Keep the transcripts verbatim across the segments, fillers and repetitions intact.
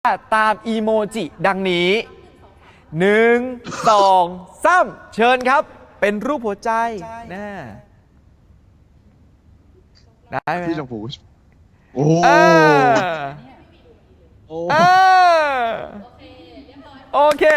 ตามอีโมจิดังนี้หนึ่งสองสามเชิญครับเป็นรูปหัวใจนะได้ไหมพี่ลอง보고 싶โอ้เออโอ้เออโอเค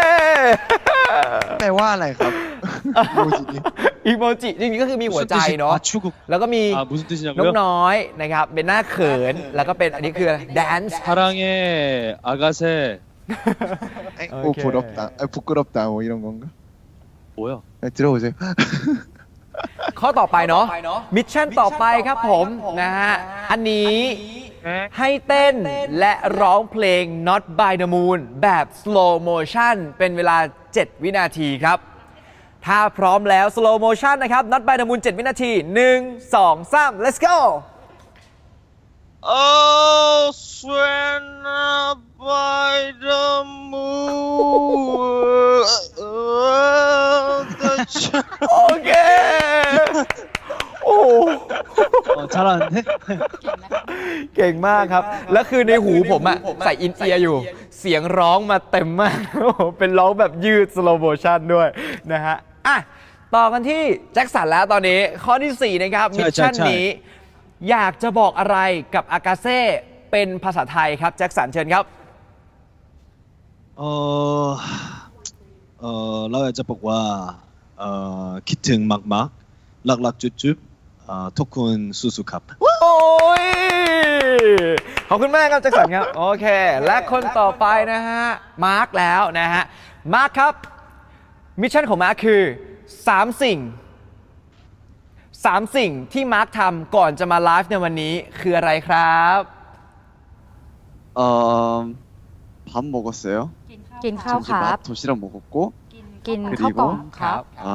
แปลว่าอะไรครับโมจินี้อีโมจิจริงๆก็คือมีหัวใจเนาะแล้วก็มีนกน้อยนะครับเป็นหน้าเขินแล้วก็เป็นอันนี้คืออะไร dance 사랑해 아가새 เอ้ยโอโอ้เค 부럽다เอ้ย부끄럽다 뭐 이런 건가 뭐야? 네, 들어보세요 ข้อต่อไปเนาะมิชชั่นต่อไปครับผมนะฮะอันนี้ให้เต้นและร้องเพลง Not by the Moon แบบ slow motion เป็นเวลาเจ็ดวินาทีครับถ้าพร้อมแล้ว slow motion นะครับ Not by the Moon เจ็ดวินาทีหนึ่ง สอง สาม let's go Oh, Suena by the moon. โอเคโอ้ 어, 잘하는데? เก่งมากครับ แล้วคือในหูผมอะใส่อินเอียร์อยู่ เสียงร้องมาเต็มมาก เป็นร้องแบบยืด slow motion ด้วยนะฮะอ่ะต่อกันที่แจ็คสันแล้วตอนนี้ข้อที่สี่นะครับใช่มิชชั่นใช่นี้ อยากจะบอกอะไรกับอากาเซ่เป็นภาษาไทยครับแจ็คสันเชิญครับ 어, 어, 라우야자 복와, 어, 키튼 막막, 락락 쭈쭈, 어, 토쿤 수수캅. โอ้ย ขอบคุณมากครับแจ็คสันครับ โอเค และคนต่อไปนะฮะ มาร์คแล้วนะฮะ มาร์คครับ มิชชั่นของมาร์คคือ สาม สิ่ง สาม สิ่งที่มาร์คทำก่อนจะมาไลฟ์ในวันนี้คืออะไรครับ 어, 밥 먹었어요 กินข้าวครับ 점심 밥 도시락 먹었고 กินข้าวกล่องครับ 아,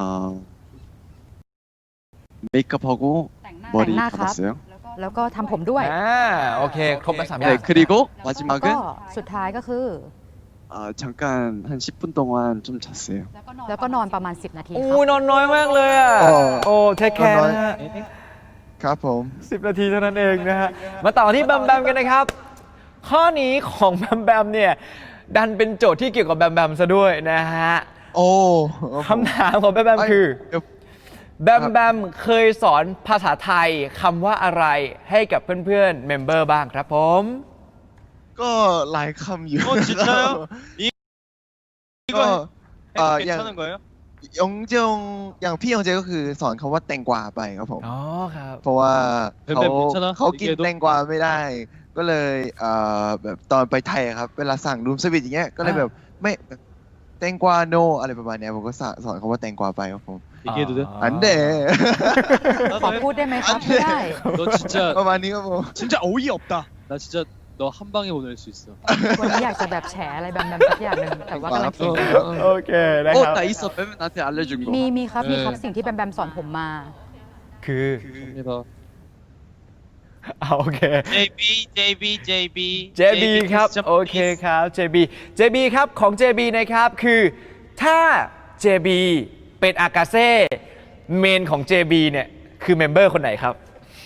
메이크업하고 머리 땡나 감았어요 แล้วก็ทำผมด้วยอ่า โอเค ครบแล้วสามอย่า 네 ง 그리고 แล้ว 마지막은 ก็สุดท้ายก็คือ 아, 잠깐 한 십 분 동안 좀 잤어요 แล้วก็นอนประมาณสิบนาทีคโอ้รับยนอนน้อยมากเลยอ่ะเออโอ้เทคแคร์นะฮะครับผมสิบนาทีเท่านั้นเองนะฮะ มาต่อที่แบมแบมกันนะครับ ข้อนี้ของแบมแบมเนี่ย ดันเป็นโจทย์ที่เกี่ยวกับแบมแบมซะด้วยนะฮะโอ้คำถามของแบมแบมคือเดี๋ยวแบมแบมเคยสอนภาษาไทยคำว่าอะไรให้กับเพื่อนๆเมมเบอร์บ้างครับผมก็หลายคำอยู่ 어, 진짜요? 이, ก็ 이거 เอ่อ 해, อย่าง 괜찮은 거예요? ยงเจงอย่างพี่ยงเจก็คือสอนคำว่าแตงกวาไปครับผมอ๋อครับเพราะว่าเป็นเขาแบบนี้ใช่ไหมเขากินอีกเกมแตงกวาไม่ได้ ก็เลยเอ่อแบบตอนไปไทยอะครับ เวลาสั่งรูมสวิตอย่างเงี้ยก็เลยแบบไม่แตงกวาโนอะไรประมาณเนี้ยผมก็สอนสอนคำว่าแตงกวาไปครับผม 얘기해도 돼? อันเดขอพูดได้ไหมครับไม่ได้ 너 진짜 ประมาณนี้ครับผม 진짜 어이 없다. 나 진짜 너 한 방에 보낼 수 있어. วันนี้อยากจะแบบแฉอะไรแบมแบมสักอย่างหนึ่งแต่ว่ากำลังคิดอยู่โอเคนะครับ 나 있어 빼면 나한테 알려준 거 มีมีครับมีครับเออสิ่งที่แบมแบมสอนผมมาคือ 갑니다. เอาโอเค 제이비, 제이비, 제이비. เจ บี ครับ โอเคครับ เจ บี เจ บี ครับของ เจ บี นะครับคือถ้า เจ บี เป็นอากาเซ่เมนของ เจ บี เนี่ยคือเมมเบอร์คนไหนครับ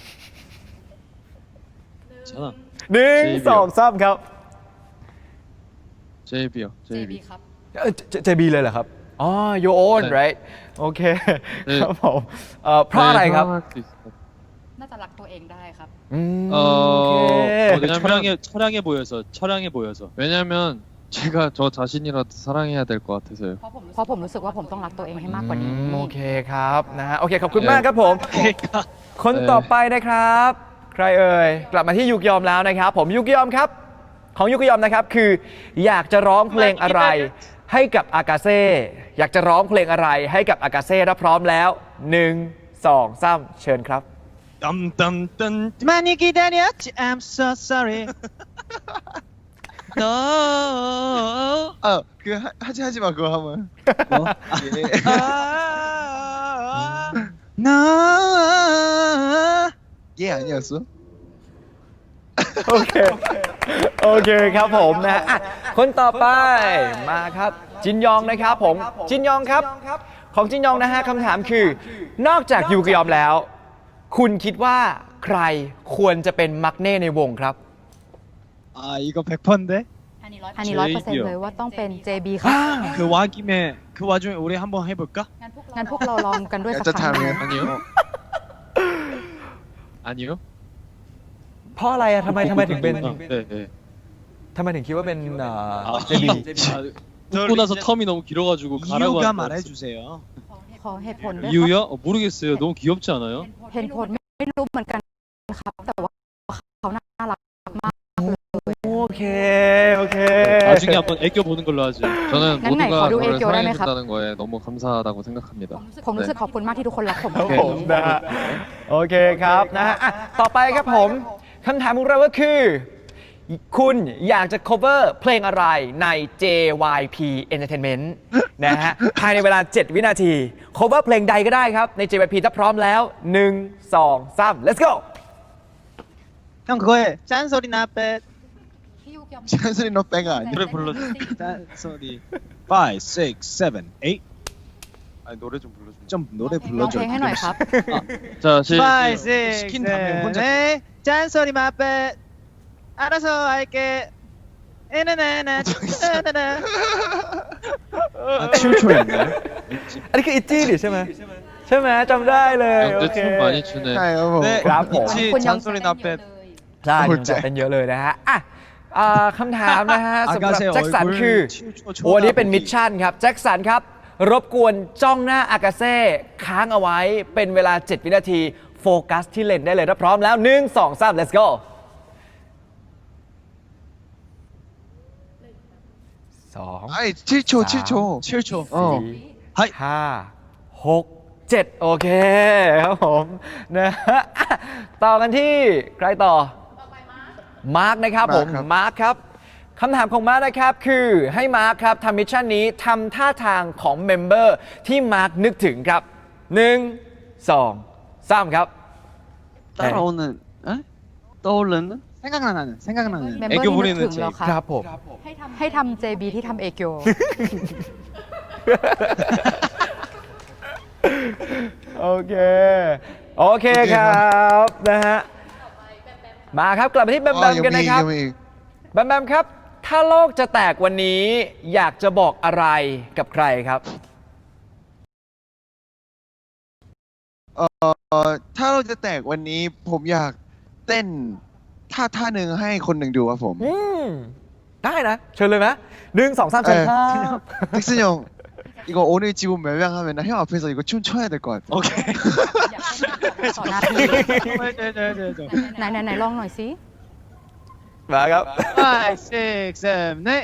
괜찮아. หนึ่งเจ บีสองสามครับ 제이비요. 제이비. เอ่อ เจ บี เลยเหรอครับ อ๋อ your own ใช่ right โอเคเออครับผมเอ่อเพราะอะไรครับ 할 수 있어. น่าจะรักตัวเองได้ครับอืม 어, โอเค 왜냐면 철량해, 철량해 보여서, 철량해 보여서. 왜냐면 제가 저 자신이라도 사랑해야 될 것 같아서요. เพราะผมรู้สึกว่าผมต้องรักตัวเองให้มากกว่านี้อืมโอเคครับนะฮะโอเคขอบคุณมากครับผม 그러니까. คนต่อไปนะครับ ใครเอ่ยกลับมาที่ยุกยอมแล้วนะครับ ผมยุกยอมครับ ของยุกยอมนะครับคืออยากจะร้องเพลงอะไรให้กับอากาเซ่อยากจะร้องเพลงอะไรให้กับอากาเซ่ถ้าพร้อมแล้วหนึ่งสองสามเชิญครับ 땀땀땀 많이 기다렸지 I'm so sorry 너 เออคือ하지 하지 마 그거 하면 뭐? 예. 아, 너 얘 아니었어? โอเค โอเคครับผมนะอ่ะคนต่อไปมาครับจินยองนะครับผมจินยองครับ ของจินยองนะฮะคำถามคือนอกจากยูกยอมแล้ว คุณคิดว่าใครควรจะเป็นมักเน่ในวงครับ 아 이거 백 퍼센트인데 อันนี้ร้อยเปอร์เซ็นต์เลยว่าต้องเป็น เจ บี ครับ 그 와 김에 그 와중에 우리 한번 해볼까? งั้นพวกเราลองกันด้วยอยากสักจะครั้งหนึ่งทำ 아니요. 아니요. เพราะอะไรอะทำไมทำไมถึงเป็น 아, 네, 네. ทำไมถึงคิดว่าเป็นเอ่อ 아, เจ บี 아, 웃고 나서 텀이 너무 길어가지고 가라고 이유가 한 거. 말해주세요. ขอเหตุผลด้วยครับ 이유요? 어, 모르겠어요. 너무 귀엽지 않아요? เห็นผลไม่รู้เหมือนกันครับ แต่ว่าเขาน่ารักมากโอเค โอเค 나중에 한번 애껴 보는 걸로 하지. 저는 난 날 모두가 거du 저를 애교를 사랑해 하네, 갑. 준다는 거에 너무 감사하다고 생각합니다. ผมรู้สึกขอบคุณมากที่ทุกคนรักผมครับผมนะฮะโอเคครับนะฮะอ่ะต่อไปครับผมคำถามของเราก็คือ คุณอยากจะ cover เพลงอะไรใน เจ วาย พี Entertainment นะฮะภายในเวลา เจ็ด วินาที cover เพลงใดก็ได้ครับใน เจ วาย พี ถ้าพร้อมแล้ว หนึ่ง สอง สาม let's go 형 그거에 짠소리 나빼 찬슬이 너 빼가 아니야? 노래 불러줘. 짠소리. five, six, seven, eight. 아니 노래 좀 불러줘. 좀 노래 ร้อง 불러줘. เพลงให้หน่อยครับ 자, 시, five, six, 시킨 다음에 혼자 seven, eight. 짠소리 마빼. 알아서 할게. 에나나나. 나나나. 아, 춤 춰였나요? อันนี้คืออิตจี้ดิใช่ไหมใช่ไหมจำได้เลยโอ 근데 เค 춤 많이 추네. ใช่ครับผม 네, 그럼 뭐. 있지. 군 영- 짠소리 나빼. ใช่โอ้ยังใจจะเป็นเยอะเลยนะฮะอ่ะอ่าคำถามนะฮะสำหรับ 아가새 แจ็คสัน 얼굴 คือ 치우쳐 โอ้อันนี้เป็น 쳐다보기. มิชชั่นครับ แจ็คสันครับ รบกวนจ้องหน้าอากาเซ่ค้างเอาไว้เป็นเวลา เจ็ด วินาที โฟกัสที่เลนส์ได้เลยถ้าพร้อมแล้ว หนึ่ง สอง สาม let's go สอง 아이 칠 초 칠 초. 칠 초. เออ 하이. ห้าหกเจ็ดโอเคครับผมนะฮะอ่ะต่อกันที่ใครต่อ มาร์คนะครับผมมาร์คครับมาร์คครับคำถามของมาร์คนะครับคือให้มาร์คครับทำมิชชั่นนี้ทำท่าทางของเมมเบอร์ที่มาร์คนึกถึงครับหนึ่งสองสามครับ 따라오는, 에? 떠오르는? 생각나는, 생각나는. เมมเบอร์ 애교 ที่นึก 부리는 ถึง 제. แล้วคครัรับบ ผมให้ทำ เจ บี ที่ทำเอเกียวโอเค โอเคครับนะฮะมาครับกลับมาที่แบมแบม 아, กันยังมีนะครับยังมีแบมแบมครับ ถ้าโลกจะแตกวันนี้อยากจะบอกอะไรกับใครครับเอ่อถ้าเราจะแตกวันนี้ผมอยากเต้นท่าท่าหนึ่งให้คนหนึ่งดูครับผมอืมได้นะ เชิญเลยไหมหนึ่งสองสามเชิญครับ 텍슨 형 이거 오늘 지금 멜량하면 형 앞에서 이거 춤 춰야 될 것 같아. 오케이. ต่อหน้าที่ ไหนไหนไหนลองหน่อยสิมาครับ five, six, seven, eight.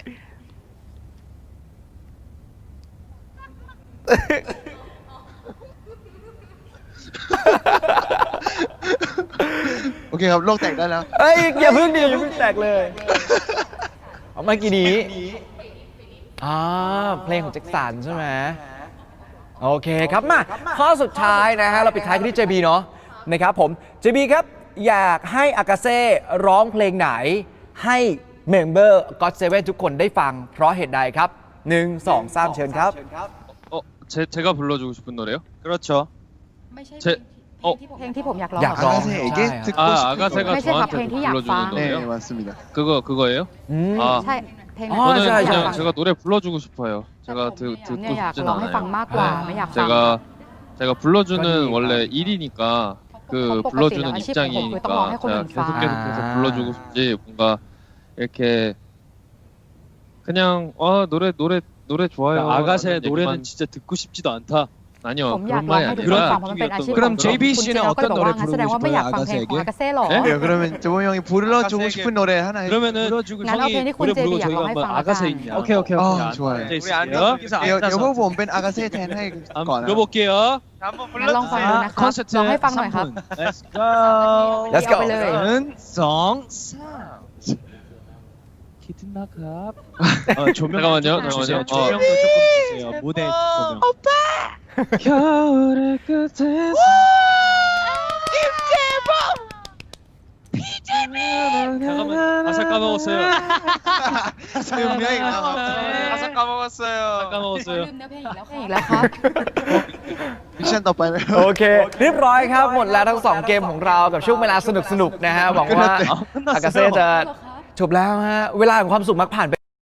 오케이ครับโลกแตกได้แล้วเอ้ยอย่าเพิ่งดีอย่าเพิ่งแตกเลย เอาเมื่อกี้นี้อ่าเพลงของแจ็คสันใช่ไหมโอเคครับมาข้อสุดท้ายนะฮะเราปิดท้ายกันที่ เจ บี เนาะนะครับผม เจ บี ครับ อยากให้อากาเซ่ร้องเพลงไหนให้เมมเบอร์ก็อตเซเว่นทุกคนได้ฟังเพราะเหตุใดครับหนึ่งสองสามเชิญครับ 어, 제, 제가 불러주고 싶은 노래요? 그렇죠. ไม่ใช่เช่เพลงที่เพลงที่ผมอยากร้องอยากร้อง 아가새에게 아, 듣고 아, 싶은 아가새가 노래. ไม่ใช่ครับ 저한테 เพลงที่อยาก 불러주는 ฟัง 네 노래요? 맞습니다. 그거, 그거예요? อืม 아, ใช่เพลงอ๋นั้นอ 저는 ใช่ใช่ 그냥 제가 노래 불러주고 싶어요. 제가 드, เนี่ย 듣고 อยาก 싶진 ร้องให้ฟัง 않아요. มากกว่าไม่อยากฟัง 제가 제가 불러주는 그러니까. 원래 일이니까 그 어, 불러주는 똑같아요. 입장이니까 또 뭐 해코는 제가 계속 봐. 계속해서 아. 불러주고 싶지 뭔가 이렇게 그냥 어 노래 노래 노래 좋아요. 아가새의 라는 노래는 얘기만- 진짜 듣고 싶지도 않다. ผม 아니요 อยาก 그런 ร้อง 말이 ให้ทุกคน 아니라 ฟังเพราะมันเป็นอาชีพ 그럼 ของ 제이비 คุณ 씨는 เจนก็เลย 어떤 บอกว่า 노래 งั้นแสดงว่าไม่อยากฟังเพลงของ 부르고 อากาเซ่หรอ 네, 그러면 조모 형이 불러주고 싶은 노래 하나 해. 그러면은 불러주고 난 형이 앞에 노래 콘 제비 부르고 저희가 약간 한번 하이팡 아가새 하자. 있냐? 오케이 오케이 아, 오케이. 좋아요. 앉아 네, 있을게요. 여, 여보 본벤 아가새 텐 해. 한번 불러볼게요. งั้นลองฟังดูนะครับ 콘서트 ลองให้ฟังหน่อยครับ 삼 분. Let's go. Let's go เอาไปเลย 은, 성, 삼. 키드나갑. 어, 조명 잠깐만요, 조금 주세요. 잠깐만요. 조명도 조금 주세요. 무대 조명. 오빠. 겨울의 끝에서. 잠깐만 가사 까먹었어요. 분명히 가사 까먹었어요. 가사 까먹었어요. อีกแล้วครับ 미션 ต่อไปเลยโอเค เรียบร้อยครับ หมดแล้วทั้งสองเกมของเรากับช่วงเวลาสนุกๆนะฮะหวังว่าอากาเซ่จะจบแล้วฮะเวลาของความสุขมักผ่านไป